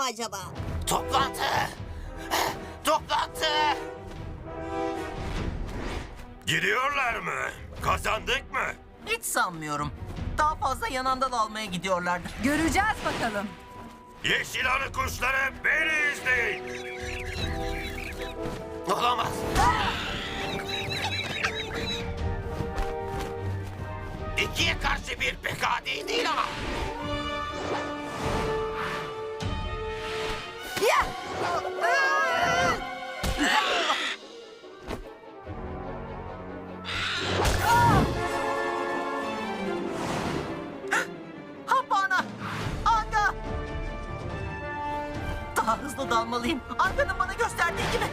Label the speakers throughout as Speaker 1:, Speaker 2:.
Speaker 1: acaba?
Speaker 2: Toplantı! Toplantı! Gidiyorlar mı? Kazandık mı?
Speaker 3: Hiç sanmıyorum. Daha fazla yanından almaya gidiyorlardır.
Speaker 4: Göreceğiz bakalım.
Speaker 2: Yeşil arı kuşları beni izleyin. Olamaz. İkiye karşı bir pek adi değil ama.
Speaker 4: Ya!
Speaker 3: Hapana! Anga! Daha hızlı dalmalıyım. Anga'nın bana gösterdiği gibi.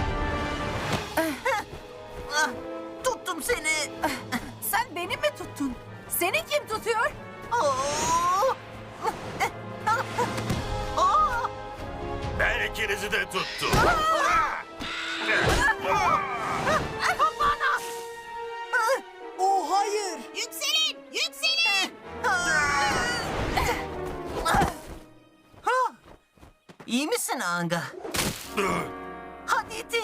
Speaker 3: Ah, tuttum seni.
Speaker 4: Sen beni mi tuttun? Seni kim tutuyor?
Speaker 3: Oo! Aa!
Speaker 2: Ben ikinizi de tuttum.
Speaker 3: Hapana!
Speaker 1: Oh hayır. Yükselin, yükselin.
Speaker 3: İyi misin Anga? Hadi iti.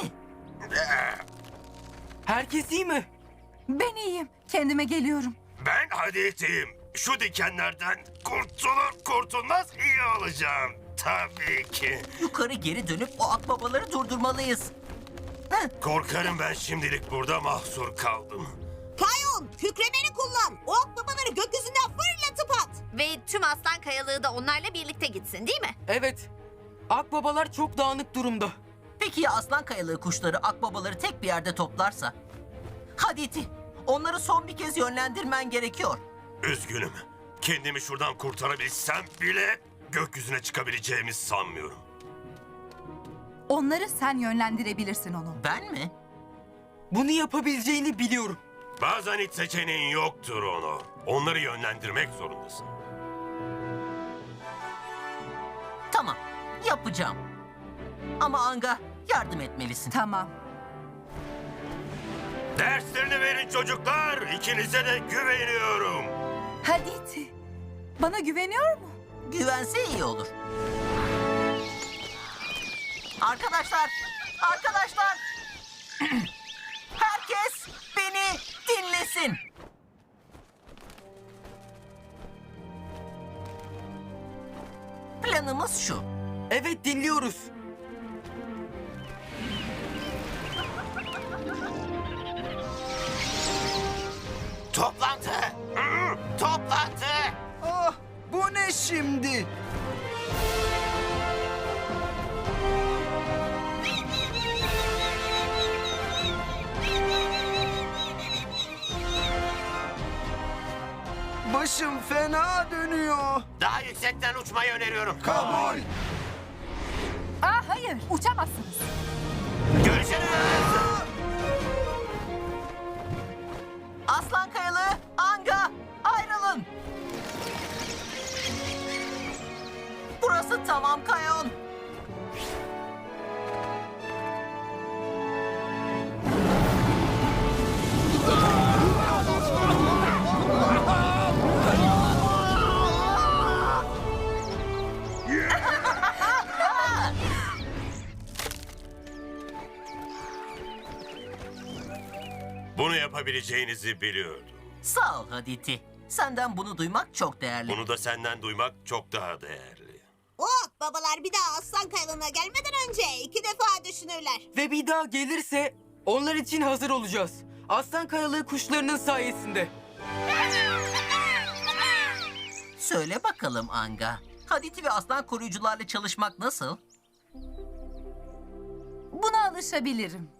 Speaker 5: Herkes iyi mi?
Speaker 4: Ben iyiyim. Kendime geliyorum.
Speaker 2: Ben hadisiyim. Şu dikenlerden kurtulur kurtulmaz iyi olacağım. Tabii ki.
Speaker 3: Yukarı geri dönüp o akbabaları durdurmalıyız.
Speaker 2: Korkarım ben şimdilik burada mahsur kaldım.
Speaker 1: Kayon, kükremeni kullan. O akbabaları gökyüzünden fırlatıp at.
Speaker 6: Ve tüm aslan kayalığı da onlarla birlikte gitsin değil mi?
Speaker 5: Evet. Akbabalar çok dağınık durumda.
Speaker 3: Peki ya aslan kayalığı kuşları akbabaları tek bir yerde toplarsa? Hadi iti. Onları son bir kez yönlendirmen gerekiyor.
Speaker 2: Üzgünüm. Kendimi şuradan kurtarabilsem bile gökyüzüne çıkabileceğimi sanmıyorum.
Speaker 4: Onları sen yönlendirebilirsin onu.
Speaker 3: Ben mi?
Speaker 5: Bunu yapabileceğini biliyorum.
Speaker 2: Bazen hiç seçeneğin yoktur onu. Onları yönlendirmek zorundasın.
Speaker 3: Tamam. Yapacağım. Ama Anga yardım etmelisin.
Speaker 4: Tamam.
Speaker 2: Derslerini verin çocuklar. İkinize de güveniyorum.
Speaker 4: Hadi iti. Bana güveniyor mu?
Speaker 3: Güvense iyi olur. Arkadaşlar! Arkadaşlar! Herkes beni dinlesin. Planımız şu.
Speaker 5: Evet, dinliyoruz.
Speaker 2: Toplantı. Toplantı.
Speaker 7: Ah, bu ne şimdi? Başım fena dönüyor.
Speaker 2: Daha yüksekten uçmayı öneriyorum.
Speaker 7: Kabul.
Speaker 4: Hayır. Uçamazsınız.
Speaker 2: Görüşürüz.
Speaker 3: Aslan kayalığı, Anga, ayrılın. Burası tamam Kayon.
Speaker 2: Bunu yapabileceğinizi biliyordum.
Speaker 3: Sağ ol Haditi. Senden bunu duymak çok değerli.
Speaker 2: Bunu da senden duymak çok daha değerli.
Speaker 1: O akbabalar bir daha aslan kayalığına gelmeden önce 2 defa düşünürler.
Speaker 5: Ve bir daha gelirse onlar için hazır olacağız. Aslan kayalığı kuşlarının sayesinde.
Speaker 3: Söyle bakalım Anga. Haditi ve aslan koruyucularla çalışmak nasıl?
Speaker 4: Buna alışabilirim.